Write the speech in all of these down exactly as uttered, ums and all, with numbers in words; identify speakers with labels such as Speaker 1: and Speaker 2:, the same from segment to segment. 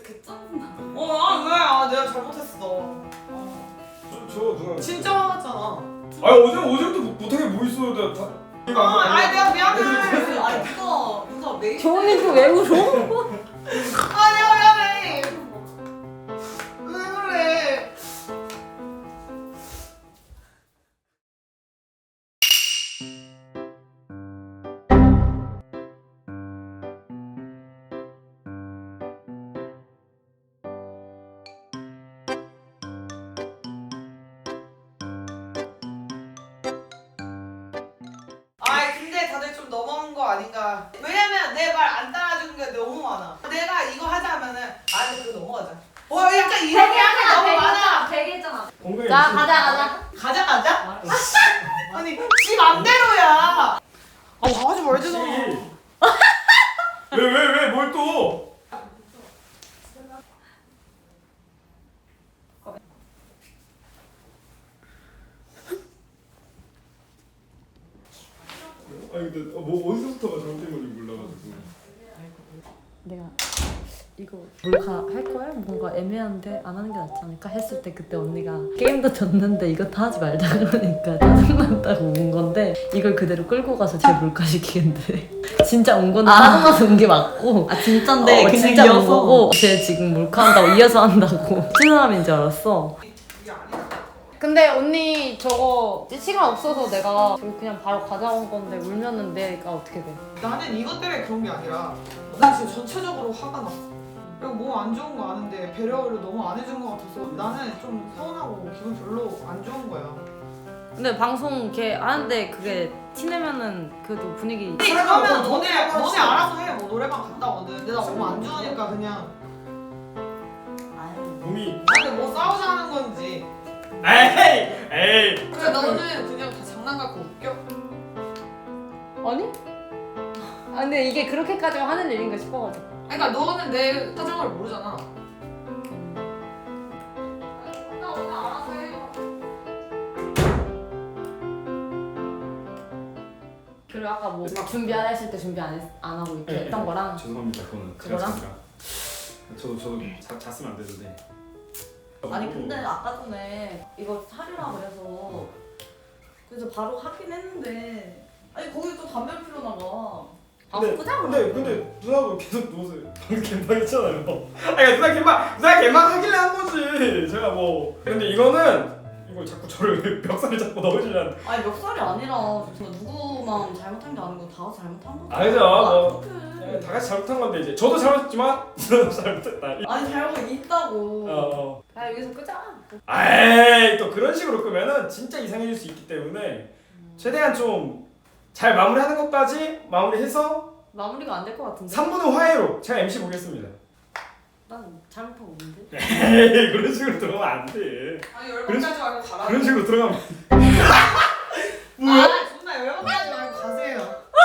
Speaker 1: 그 짜증나.
Speaker 2: 어, 아, 왜? 아, 내가 잘못했어. 어.
Speaker 3: 저, 저 누나
Speaker 2: 진짜 화났잖아.
Speaker 3: 아니 어제 어제부터 못- 못하게 뭐 있어요 내가 다
Speaker 2: 아, 아니 내가 미안해.
Speaker 1: 아니 누가 누가 메이크.
Speaker 4: 조은이 또 왜 울어?
Speaker 2: 아, 내가 미안해. 왜 그래? 아이 근데 다들 좀 넘어간 거 아닌가. 왜냐면 내 말 안 따라주는 게 너무 많아. 내가 이거 하자 하면은 아 근데 그거 넘어가자. 어 약간 이런 게 약간 너무 많아.
Speaker 1: 되게잖아.
Speaker 3: 공부해
Speaker 4: 자 가자 가자.
Speaker 2: 가자 가자? 아니 지 맘대로야. 아 하지 말잖아.
Speaker 3: 왜왜 왜 뭘 또? 아니 근데 뭐 어디서부터가 잘못된 건지 몰라가지고.
Speaker 4: 내가 이거 몰카 할 거야? 뭔가 애매한데 안 하는 게 낫지 않을까 했을 때 그때 언니가 게임도 졌는데 이거 다 하지 말자 그러니까 짜증난다고 온 건데 이걸 그대로 끌고 가서 제 몰카 시키는데 진짜 온 건데 짜증나서 온 게 맞고
Speaker 1: 아 진짠데
Speaker 4: 어,
Speaker 1: 그냥
Speaker 4: 진짜 온
Speaker 1: 이어서.
Speaker 4: 거고 쟤 지금 몰카 한다고 이어서 한다고 치는 사람인 줄 알았어.
Speaker 2: 이게 아니야.
Speaker 4: 근데 언니 저거 시간 없어서 내가 저기 그냥 바로 가져온 건데 울면은 내가 어떻게 돼?
Speaker 2: 나는 이것 때문에 그런 게 아니라 난 지금 전체적으로 화가 나. 그리고 뭐 안 좋은 거 아는데 배려를 너무 안 해준 거 같아서 나는 좀 서운하고 기분 별로 안 좋은 거야.
Speaker 4: 근데 방송 걔 하는데 그게 티내면은 그래도 분위기
Speaker 2: 근데 그러면 너네 너네 알아서 해. 뭐 노래방 갔다 오든. 근데 나 너무 안 좋으니까 그냥
Speaker 1: 아유.
Speaker 3: 몸이
Speaker 2: 나한테 뭐 싸우자는 건지.
Speaker 3: 에이 에이.
Speaker 2: 그래 너는 그냥 다 장난 갖고 웃겨?
Speaker 4: 아니? 아 근데 이게 그렇게까지 하는 일인가 싶어가지고.
Speaker 2: 그러니까 너는 내 사정을 모르잖아. 나 오늘 알아서 해.
Speaker 4: 그리고 아까 뭐 준비하라 했을 때 준비 안, 했, 안 하고 이렇게
Speaker 3: 네,
Speaker 4: 했던
Speaker 3: 네.
Speaker 4: 거랑
Speaker 3: 죄송합니다 그거는 제가
Speaker 4: 그거랑?
Speaker 3: 제가 저도 저도 자, 잤으면 안 되는데.
Speaker 1: 아니 근데 아까 전에 이거 사리라 그래서 그래서 바로 하긴 했는데 아니 거기 또 담배 피러 나가.
Speaker 3: 근데,
Speaker 1: 끄자,
Speaker 3: 근데 근데 누나도 계속 누워서 방금 개망했잖아요. 아니 누나 개망 누나 개망 하길래 한 거지. 제가 뭐 근데 이거는 이걸 자꾸 저를 멱살을 잡고 넣으시려는.
Speaker 1: 아니 멱살이 아니라 진짜 누구만 잘못한 게 아니고 다 잘못한 거지.
Speaker 3: 아니죠, 뭐.
Speaker 1: 어떡해.
Speaker 3: 다 같이 잘못한 건데 이제 저도 잘못했지만 누나도 잘못했다.
Speaker 1: 아니 잘못 있다고.
Speaker 3: 어, 어.
Speaker 4: 아 여기서 끄자.
Speaker 3: 에이 또 그런 식으로 끄면은 진짜 이상해질 수 있기 때문에 최대한 좀 잘 마무리하는 것까지 마무리해서
Speaker 4: 마무리가 안 될 것 같은데?
Speaker 3: 삼 분의 화해로 제가 엠씨 보겠습니다.
Speaker 4: 난 잘못하고 있는데?
Speaker 3: 에이 그런 식으로 들어가면 안 돼.
Speaker 2: 아니 열받지 말고 가라.
Speaker 3: 그런 식으로 들어가면
Speaker 2: 뭐야? 아 존나 열받지 말고 가세요.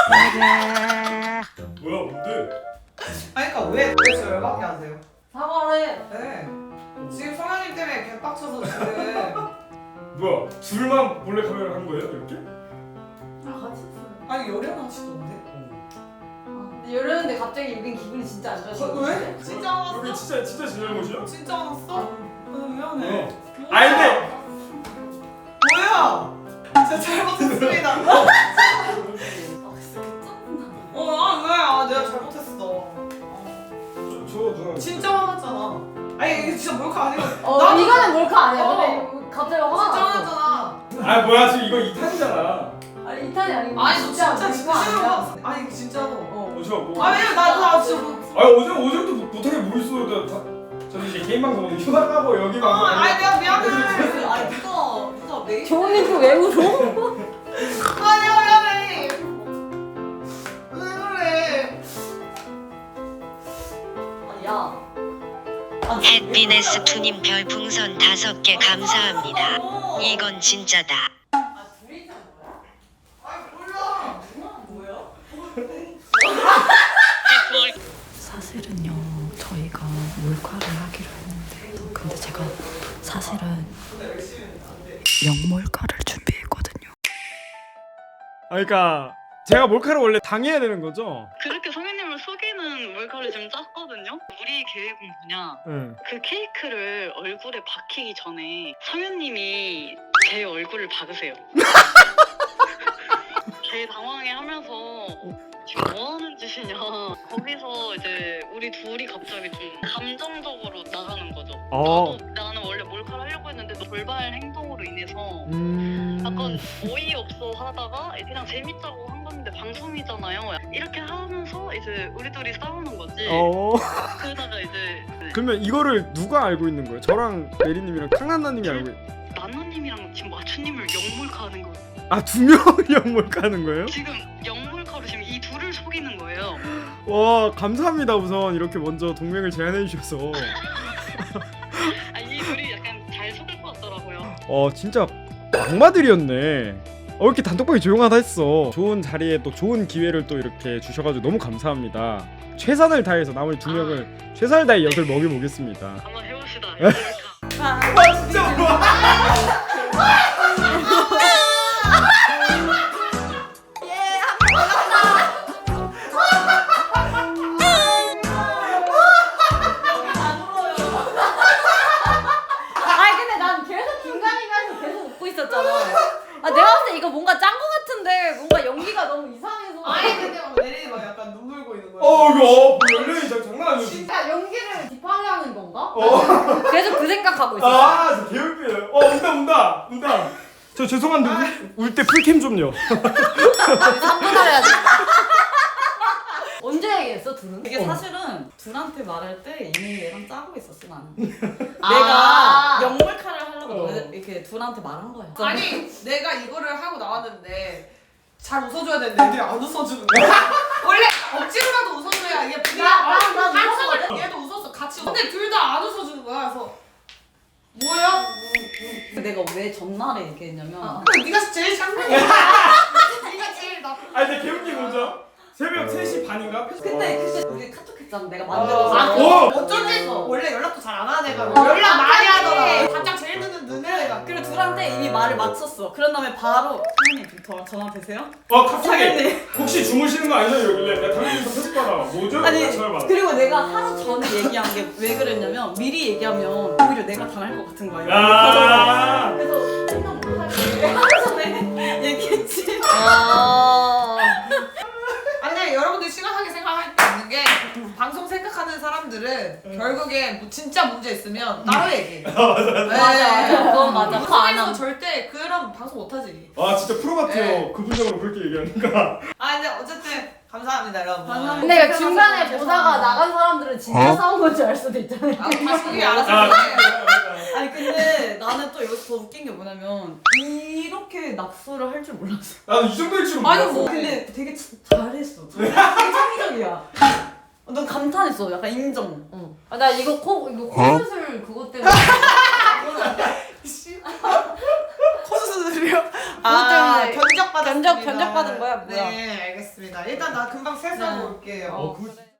Speaker 3: 뭐야 뭔데?
Speaker 2: 아니 그러니까 왜 도대체 열받게 하세요?
Speaker 1: 사과를 해.
Speaker 2: 네. 지금 성현님 때문에 개빡쳐서 지금.
Speaker 3: 뭐야 둘만 몰래 카메라 한 거예요 이렇게?
Speaker 1: 아 같이 했어요.
Speaker 2: 아니 열연하시던데?
Speaker 4: 근데 이러는데 갑자기 여긴 기분이 진짜 안 좋아지고.
Speaker 2: 어, 왜? 진짜
Speaker 3: 여기
Speaker 2: 화났어?
Speaker 3: 진짜 진짜 제 잘못이야?
Speaker 2: 진짜 화났어? 아 미안해.
Speaker 3: 어. 아니 근데
Speaker 2: 뭐야? 진짜 잘못했습니다.
Speaker 1: 아 진짜 그 짜증나.
Speaker 2: 어, 아, 왜? 아, 내가 잘못했어.
Speaker 3: 저, 저 누나
Speaker 2: 진짜 화났잖아. 아니, 이게 진짜 몰카 아니고.
Speaker 4: 어
Speaker 2: 나도
Speaker 4: 이거는 몰카 아니야.
Speaker 2: 어.
Speaker 4: 근데 이거 갑자기 화가
Speaker 2: 진짜
Speaker 4: 났어.
Speaker 2: 화났잖아.
Speaker 3: 아 뭐야 지금 이거 이 탄이잖아.
Speaker 4: 아니 이 탄이 아니고
Speaker 2: 아니, 너 진짜
Speaker 4: 몰카
Speaker 2: 진심으로
Speaker 4: 아니야.
Speaker 2: 화났어. 아니, 진짜로.
Speaker 4: 어.
Speaker 3: 어, 저 뭐?
Speaker 2: 아, 왜냐면 나, 나 진짜 뭐.
Speaker 3: 아니 어제 어제부터 못- 못하게 뭐 있어요 내가 다. 저는 이제 개인 방송 휴가 가고 여기
Speaker 2: 어,
Speaker 3: 방송.
Speaker 2: 아니, 내가 미안해.
Speaker 1: 아니 누가 누가 메이크.
Speaker 4: 조은이 또 왜 울어?
Speaker 2: 아, 내가 미안해. 왜 그래?
Speaker 1: 아니 야.
Speaker 5: 햇비네스 투님 별풍선 다섯 개 감사합니다. 이건 진짜다.
Speaker 1: 아 둘이 있는 거야?
Speaker 2: 아니, 몰라.
Speaker 1: 뭐야?
Speaker 6: 사실은요 저희가 몰카를 하기로 했는데 근데 제가 사실은 영몰카를 준비했거든요.
Speaker 3: 아 그러니까 제가 몰카를 원래 당해야 되는 거죠?
Speaker 7: 그렇게 성현님을 속이는 몰카를 이거를 지금 짰거든요. 우리 계획은 뭐냐?
Speaker 3: 응.
Speaker 7: 그 케이크를 얼굴에 박히기 전에 성현님이 제 얼굴을 박으세요. 제 당황해하면서 지금 뭐 하는 짓이냐. 거기서 이제 우리 둘이 갑자기 좀 감정적으로 나가는 거죠.
Speaker 3: 어.
Speaker 7: 나도 나는 원래 몰카를 하려고 했는데 너 돌발 행동으로 인해서
Speaker 3: 음.
Speaker 7: 약간 어이없어 하다가 그냥 재밌다고 한 건데 방송이잖아요. 이렇게 하면서 이제 우리 둘이 싸우는 거지.
Speaker 3: 어.
Speaker 7: 그러다가 이제
Speaker 3: 그러면 이거를 누가 알고 있는 거예요? 저랑 메리님이랑 캉나나님이 알고 있...
Speaker 7: 나나님이랑 지금 마추님을 영몰카하는 거예요.
Speaker 3: 아, 두 명이랑 몰카하는 거예요?
Speaker 7: 지금 영몰카로 지금 이 둘을 속이는 거예요.
Speaker 3: 와, 감사합니다. 우선 이렇게 먼저 동맹을 제안해 주셔서.
Speaker 7: 아, 이 둘이 약간 잘 속일 것 같더라고요.
Speaker 3: 어, 진짜 악마들이었네. 어, 이렇게 단톡방이 조용하다 했어. 좋은 자리에 또 좋은 기회를 또 이렇게 주셔가지고 너무 감사합니다. 최선을 다해서 나머지 두 명을 최선을 다해 엿을 먹여보겠습니다.
Speaker 7: 한번 해봅시다. 영몰카.
Speaker 3: 와, 진짜 좋아.
Speaker 4: 아니 근데 난 계속 중간중간에서 계속 웃고 있었잖아. 아 내가 봤을 때 이거 뭔가 짠 거 같은데 뭔가 연기가 너무 이상해서.
Speaker 2: 아니 근데 막 내리 막 약간 눈물 고이는 거야.
Speaker 3: 어, 이거 연령이 진짜 장난 아니었어.
Speaker 4: 진짜 연기를 뒷방향인 건가?
Speaker 3: 어.
Speaker 4: 계속 그 생각하고 있었어.
Speaker 3: 아, 저 개웃기네. 어, 운다, 운다, 운다. 저 죄송한데 울 때 풀캠 좀요.
Speaker 4: 삼 분 하려야지. 언제 얘기했어 둘은?
Speaker 1: 이게 사실은 둘한테 말할 때 이미 얘랑 짜고 있었어 나는.
Speaker 4: 아.
Speaker 1: 내가 영몰카를 하려고
Speaker 3: 어.
Speaker 1: 이렇게 둘한테 말한 거야.
Speaker 2: 아니 내가 이거를 하고 나왔는데 잘 웃어줘야 되는데 애들이 안 웃어주는 거야. 원래 억지로라도 웃어줘야 이게 분위기가
Speaker 4: 나- 나- 나
Speaker 2: 같이
Speaker 4: 웃었거든?
Speaker 2: 얘도 웃었어 같이. 근데 둘 다 안 웃어주는 거야. 그래서 뭐야?
Speaker 1: 내가 왜 전날에 얘기했냐면
Speaker 4: 어.
Speaker 2: 그래, 네가 제일 장난이야. 네가 제일 나쁜.
Speaker 3: 아니, 근데 개웃긴 거죠? 새벽 세 시 반인가?
Speaker 1: 근데 그때 우리 카톡 했잖아. 내가 만들어서.
Speaker 2: 아,
Speaker 3: 오!
Speaker 2: 어쩐지 원래 연락도 잘 안 하는 애가
Speaker 4: 어,
Speaker 2: 연락 많이
Speaker 1: 갑자기.
Speaker 2: 하더라. 답장 제일 늦는 늦는 애가.
Speaker 1: 그리고 둘한테 이미 말을 마쳤어. 그런 다음에 바로 선생님 좀 전화 되세요?
Speaker 3: 어, 갑자기
Speaker 1: 선생님.
Speaker 3: 혹시 주무시는 거 아니죠? 이러길래 내가 당연히 편집 받아. 뭐죠?
Speaker 1: 아니
Speaker 3: 전화 받아.
Speaker 1: 그리고 내가 하루 전에 얘기한 게 왜 그랬냐면 미리 얘기하면 오히려 내가 당할 것 같은 거야.
Speaker 3: 아.
Speaker 1: 그래서 생각 못하게 하루 전에 얘기했지.
Speaker 4: 아.
Speaker 2: 아니 근데 여러분들 심각하게 생각할 게 없는 게 방송 생각하는 사람들은 결국에 뭐 진짜 문제 있으면 따로 얘기해.
Speaker 3: 아, 맞아, 맞아.
Speaker 1: 맞아. 그건 맞아. 그거 안
Speaker 2: 방송에서
Speaker 1: 함.
Speaker 2: 절대 그런 방송 못하지.
Speaker 3: 아, 진짜 프로 같아요.
Speaker 2: 네.
Speaker 3: 그분적으로 그렇게 얘기하니까.
Speaker 2: 아 근데 어쨌든 감사합니다 여러분.
Speaker 1: 감사합니다.
Speaker 4: 근데 이거 중간에
Speaker 1: 죄송합니다.
Speaker 4: 보다가 나간 사람들은 진짜 싸운 건 줄 알 수도 있잖아요.
Speaker 2: 아 방송이 알아서
Speaker 3: 아,
Speaker 2: 해.
Speaker 1: 아니 근데 나는 또 여기서 더 웃긴 게 뭐냐면 이렇게 낙서를 할 줄 몰랐어.
Speaker 3: 나도 이 정도일 줄은
Speaker 1: 아니
Speaker 3: 몰랐어.
Speaker 1: 뭐 근데 되게 참 잘했어. 되게 창의적이야. 넌 감탄했어. 약간 인정.
Speaker 4: 응. 아, 나 이거 코 이거 코수술 그것 때문에.
Speaker 2: 코수술이요?
Speaker 1: 아,
Speaker 2: 견적 받았습니다.
Speaker 1: 견적- 견적 받은 거야, 뭐야?
Speaker 2: 네 알겠습니다. 일단 나 금방 세수하고
Speaker 1: 네.
Speaker 2: 올게요.
Speaker 3: 어, 그